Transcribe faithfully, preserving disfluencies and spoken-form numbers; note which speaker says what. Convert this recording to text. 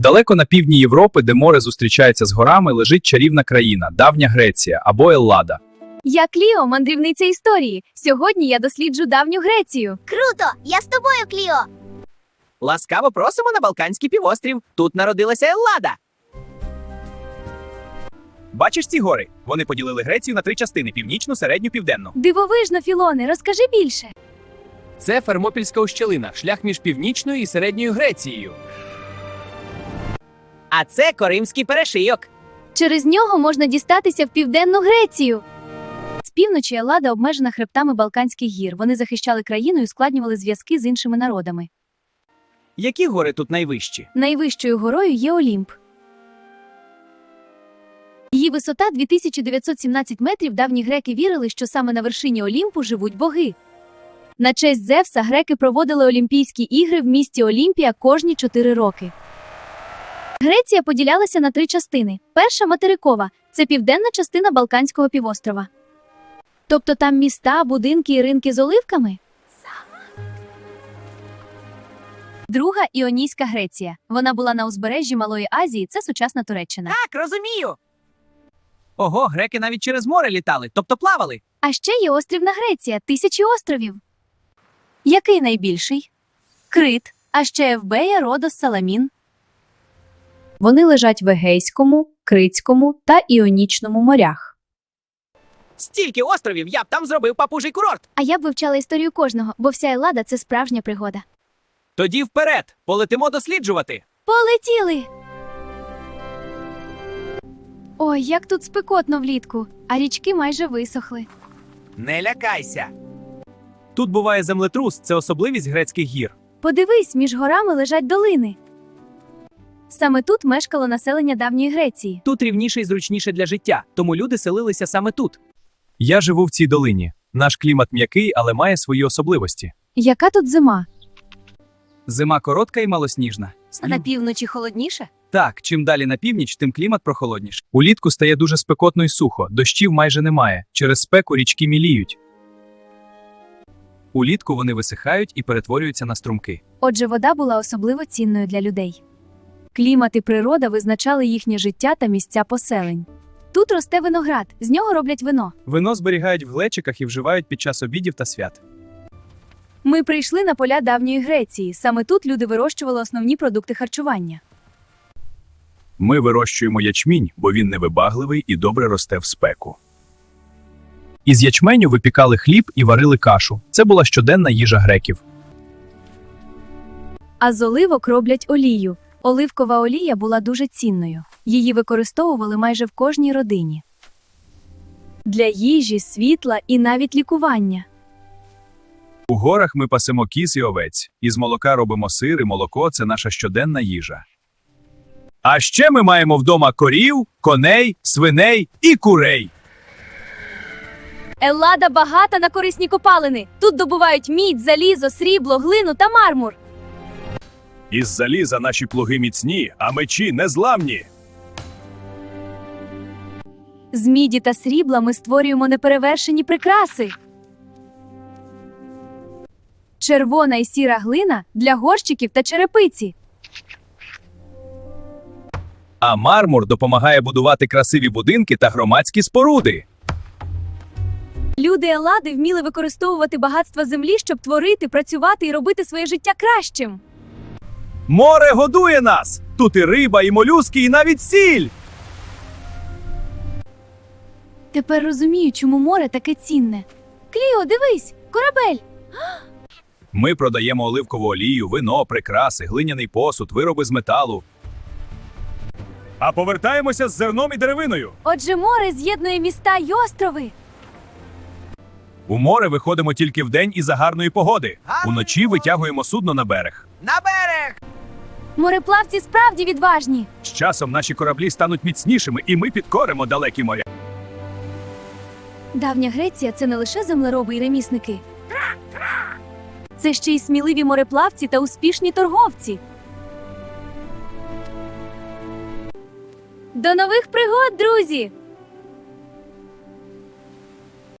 Speaker 1: Далеко на півдні Європи, де море зустрічається з горами, лежить чарівна країна – давня Греція або Еллада.
Speaker 2: Я Кліо, мандрівниця історії. Сьогодні я досліджу давню Грецію.
Speaker 3: Круто! Я з тобою, Кліо!
Speaker 4: Ласкаво просимо на Балканський півострів. Тут народилася Еллада. Бачиш ці гори? Вони поділили Грецію на три частини – північну, середню, південну.
Speaker 2: Дивовижно, Філоне, розкажи більше.
Speaker 5: Це Фермопільська ущелина, шлях між північною і середньою Грецією.
Speaker 4: А це Коримський перешийок.
Speaker 2: Через нього можна дістатися в південну Грецію. З півночі Еллада обмежена хребтами Балканських гір. Вони захищали країну і ускладнювали зв'язки з іншими народами.
Speaker 4: Які гори тут найвищі?
Speaker 2: Найвищою горою є Олімп. Її висота дві тисячі дев'ятсот сімнадцять метрів. Давні греки вірили, що саме на вершині Олімпу живуть боги. На честь Зевса греки проводили Олімпійські ігри в місті Олімпія кожні чотири роки. Греція поділялася на три частини. Перша – материкова – це південна частина Балканського півострова. Тобто там міста, будинки і ринки з оливками? Друга – Іонійська Греція. Вона була на узбережжі Малої Азії, це сучасна Туреччина.
Speaker 4: Так, розумію. Ого, греки навіть через море літали, тобто плавали.
Speaker 2: А ще є острівна Греція – тисячі островів. Який найбільший? Крит, а ще Евбея, Родос, Саламін. Вони лежать в Егейському, Критському та Іонічному морях.
Speaker 4: Стільки островів, я б там зробив папужий курорт.
Speaker 2: А я б вивчала історію кожного, бо вся Еллада – це справжня пригода.
Speaker 4: Тоді вперед, полетимо досліджувати.
Speaker 2: Полетіли! Ой, як тут спекотно влітку, а річки майже висохли.
Speaker 4: Не лякайся. Тут буває землетрус, це особливість грецьких гір.
Speaker 2: Подивись, між горами лежать долини. Саме тут мешкало населення давньої Греції.
Speaker 4: Тут рівніше і зручніше для життя, тому люди селилися саме тут.
Speaker 1: Я живу в цій долині. Наш клімат м'який, але має свої особливості.
Speaker 2: Яка тут зима?
Speaker 4: Зима коротка і малосніжна.
Speaker 2: А на півночі холодніше?
Speaker 1: Так, чим далі на північ, тим клімат прохолодніше. Улітку стає дуже спекотно і сухо, дощів майже немає. Через спеку річки міліють. Улітку вони висихають і перетворюються на струмки.
Speaker 2: Отже, вода була особливо цінною для людей. Клімат і природа визначали їхнє життя та місця поселень. Тут росте виноград, з нього роблять вино.
Speaker 1: Вино зберігають в глечиках і вживають під час обідів та свят.
Speaker 2: Ми прийшли на поля давньої Греції. Саме тут люди вирощували основні продукти харчування.
Speaker 1: Ми вирощуємо ячмінь, бо він невибагливий і добре росте в спеку. Із ячменю випікали хліб і варили кашу. Це була щоденна їжа греків.
Speaker 2: А з оливок роблять олію. Оливкова олія була дуже цінною. Її використовували майже в кожній родині. Для їжі, світла і навіть лікування.
Speaker 1: У горах ми пасемо кіз і овець. Із молока робимо сир і молоко – це наша щоденна їжа. А ще ми маємо вдома корів, коней, свиней і курей.
Speaker 2: Еллада багата на корисні копалини. Тут добувають мідь, залізо, срібло, глину та мармур.
Speaker 1: Із заліза наші плуги міцні, а мечі незламні.
Speaker 2: З міді та срібла ми створюємо неперевершені прикраси. Червона і сіра глина для горщиків та черепиці.
Speaker 1: А мармур допомагає будувати красиві будинки та громадські споруди.
Speaker 2: Люди Еллади вміли використовувати багатства землі, щоб творити, працювати і робити своє життя кращим.
Speaker 1: Море годує нас! Тут і риба, і молюски, і навіть сіль!
Speaker 2: Тепер розумію, чому море таке цінне. Кліо, дивись, корабель!
Speaker 1: Ми продаємо оливкову олію, вино, прикраси, глиняний посуд, вироби з металу. А повертаємося з зерном і деревиною.
Speaker 2: Отже, море з'єднує міста й острови.
Speaker 1: У море виходимо тільки вдень і за гарної погоди.
Speaker 4: Гарної
Speaker 1: Уночі витягуємо судно на берег.
Speaker 4: На берег!
Speaker 2: Мореплавці справді відважні.
Speaker 1: З часом наші кораблі стануть міцнішими, і ми підкоримо далекі моря.
Speaker 2: Давня Греція – це не лише землероби і ремісники. Це ще й сміливі мореплавці та успішні торговці. До нових пригод, друзі!